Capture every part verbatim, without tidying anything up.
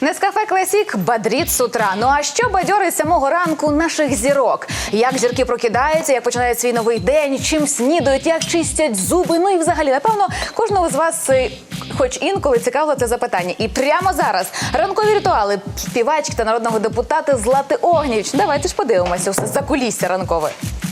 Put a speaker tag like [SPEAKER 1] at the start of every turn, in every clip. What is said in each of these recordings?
[SPEAKER 1] Нескафе Класік бодрить з утра. Ну а що бадьорить з самого ранку наших зірок? Як зірки прокидаються, як починають свій новий день, чим снідають, як чистять зуби. Ну і взагалі, напевно, кожного з вас хоч інколи цікавило це запитання. І прямо зараз ранкові ритуали співачки та народного депутата Злати Огнєвіч. Давайте ж подивимося все за кулісся ранкове.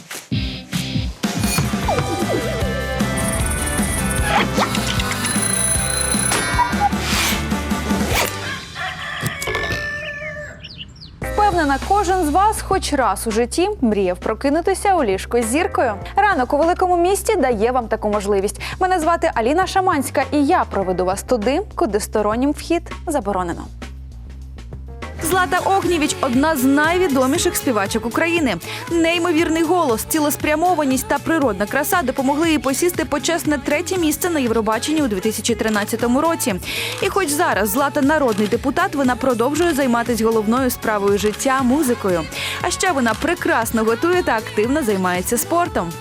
[SPEAKER 2] Впевнена, кожен з вас хоч раз у житті мріяв прокинутися у ліжко з зіркою. Ранок у великому місті дає вам таку можливість. Мене звати Аліна Шаманська, і я проведу вас туди, куди стороннім вхід заборонено. Злата Огнєвіч – одна з найвідоміших співачок України. Неймовірний голос, цілеспрямованість та природна краса допомогли їй посісти почесне третє місце на Євробаченні у дві тисячі тринадцятому році. І хоч зараз Злата – народний депутат, вона продовжує займатися головною справою життя – музикою. А ще вона прекрасно готує та активно займається спортом.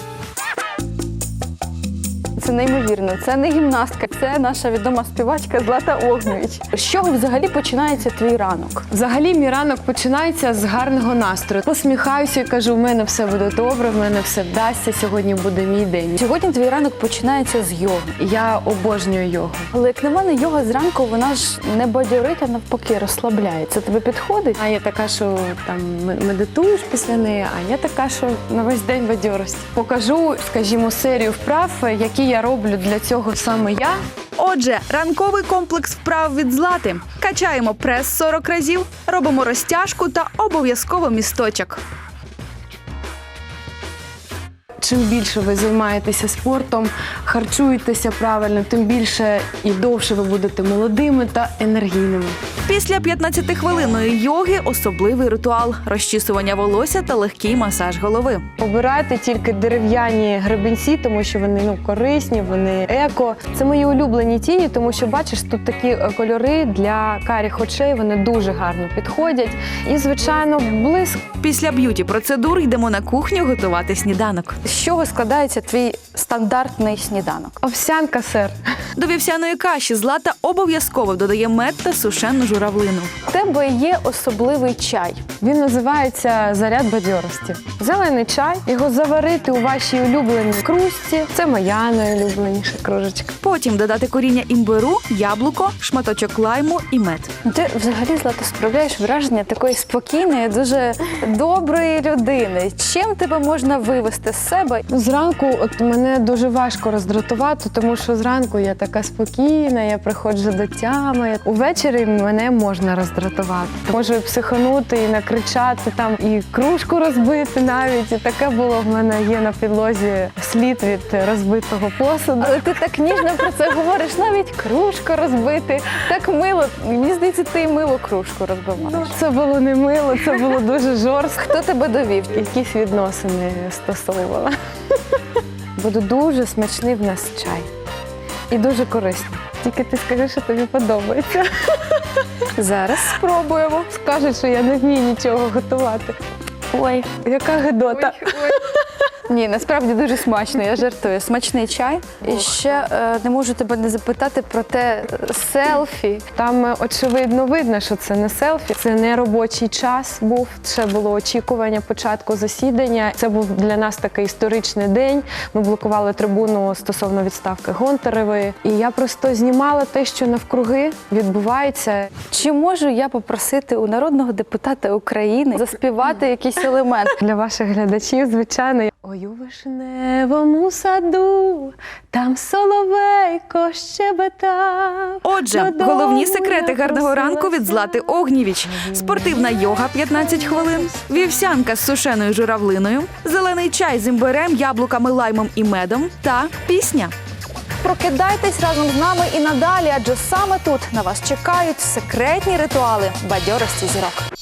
[SPEAKER 2] Це неймовірно. Це не гімнастка, це наша відома співачка Злата Огнєвіч. З чого взагалі починається твій ранок?
[SPEAKER 3] Взагалі мій ранок починається з гарного настрою. Посміхаюся і кажу, в мене все буде добре, в мене все вдасться, сьогодні буде мій день.
[SPEAKER 2] Сьогодні твій ранок починається з йоги.
[SPEAKER 3] Я обожнюю йогу.
[SPEAKER 2] Але як на мене, йога зранку, вона ж не бадьорить, а навпаки розслабляє. Це тобі підходить?
[SPEAKER 3] А є така, що там медитуєш після неї, а є така, що на весь день бадьорості. Покажу, скажімо, серію вправ, які я роблю для цього саме я.
[SPEAKER 2] Отже, ранковий комплекс вправ від Злати. Качаємо прес сорок разів, робимо розтяжку та обов'язково місточок.
[SPEAKER 3] Чим більше ви займаєтеся спортом, харчуєтеся правильно, тим більше і довше ви будете молодими та енергійними.
[SPEAKER 2] Після п'ятнадцятихвилинної йоги особливий ритуал – розчісування волосся та легкий масаж голови.
[SPEAKER 3] Обирайте тільки дерев'яні гребінці, тому що вони ну, корисні, вони еко. Це мої улюблені тіні, тому що, бачиш, тут такі кольори для карих очей, вони дуже гарно підходять. І, звичайно, блиск.
[SPEAKER 2] Після б'юті-процедур йдемо на кухню готувати сніданок. З чого складається твій стандартний сніданок?
[SPEAKER 3] Овсянка, сир.
[SPEAKER 2] До вівсяної каші Злата обов'язково додає мед та сушену журавлину. У тебе є особливий чай.
[SPEAKER 3] Він називається «Заряд бадьорості». Зелений чай, його заварити у вашій улюбленій кружці. Це моя найулюбленіша кружечка.
[SPEAKER 2] Потім додати коріння імбиру, яблуко, шматочок лайму і мед. Ти взагалі, Злата, справляєш враження такої спокійної, дуже доброї людини. Чим тебе можна вивести з себе?
[SPEAKER 3] Зранку от мене дуже важко роздратувати, тому що зранку я така спокійна, я приходжу до тями. Увечері мене можна роздратувати. Можу і психанути, і накричати, там, і кружку розбити навіть. І таке було в мене є на підлозі слід від розбитого посуду.
[SPEAKER 2] Але ти так ніжно про це говориш, навіть кружку розбити. Так мило. Мені здається, ти і мило кружку розбиваєш.
[SPEAKER 3] Це було не мило, це було дуже жорстко.
[SPEAKER 2] Хто тебе довів?
[SPEAKER 3] Якісь відносини стосовувала. Буде дуже смачний в нас чай. І дуже корисний. Тільки ти скажи, що тобі подобається.
[SPEAKER 2] Зараз спробуємо.
[SPEAKER 3] Скажуть, що я не вмію нічого готувати.
[SPEAKER 2] Ой,
[SPEAKER 3] яка гидота.
[SPEAKER 2] Ой, ой. Ні, насправді дуже смачно, я жартую. Смачний чай. І ще е, не можу тебе не запитати про те селфі.
[SPEAKER 3] Там е, очевидно видно, що це не селфі, це не робочий час був, це було очікування початку засідання. Це був для нас такий історичний день. Ми блокували трибуну стосовно відставки Гонтаревої. І я просто знімала те, що навкруги відбувається.
[SPEAKER 2] Чи можу я попросити у народного депутата України заспівати якийсь елемент?
[SPEAKER 3] Для ваших глядачів, звичайно. Ой, у вишневому саду, там соловейко щебетав.
[SPEAKER 2] Отже, головні секрети гарного ранку від Злати Огнєвіч. Спортивна йога п'ятнадцять хвилин, вівсянка з сушеною журавлиною, зелений чай з імбирем, яблуками, лаймом і медом та пісня. Прокидайтесь разом з нами і надалі, адже саме тут на вас чекають секретні ритуали бадьорості зірок.